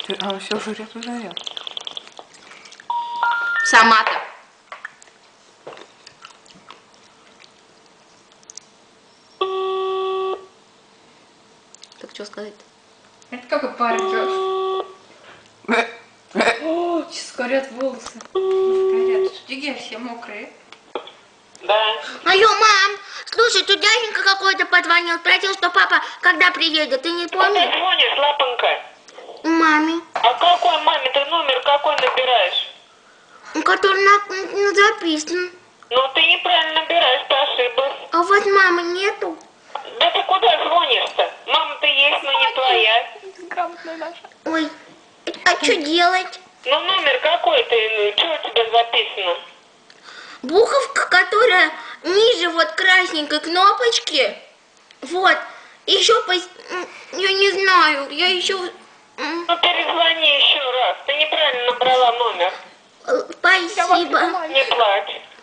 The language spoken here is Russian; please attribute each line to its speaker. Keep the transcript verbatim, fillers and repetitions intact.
Speaker 1: Ты, а, все жрет уже я.
Speaker 2: Сама-то. Так что сказать-то?
Speaker 3: Это какой парень делает? О, сейчас горят волосы. Горят. Диги все мокрые.
Speaker 4: Да.
Speaker 5: Алло, мам, слушай, тут дяденька какой-то позвонил, спросил, что папа когда приедет, ты не
Speaker 4: Куда
Speaker 5: помнишь?
Speaker 4: звонишь, лапонька?
Speaker 5: Маме,
Speaker 4: А какой маме ты номер какой набираешь?
Speaker 5: который на, на записан.
Speaker 4: Ну ты неправильно набираешь, ты ошиблась.
Speaker 5: А у вас мамы нету?
Speaker 4: Да ты куда звонишь-то? Мама-то есть, но не твоя.
Speaker 3: Грамотная наша.
Speaker 5: Ой, а что делать?
Speaker 4: Ну номер какой ты? Что у тебя записано?
Speaker 5: Буковка, которая ниже вот красненькой кнопочки. Вот. Еще по... Я не знаю, я еще...
Speaker 4: Ну перезвони еще раз. Ты неправильно набрала номер.
Speaker 5: Спасибо.
Speaker 4: Не плачь.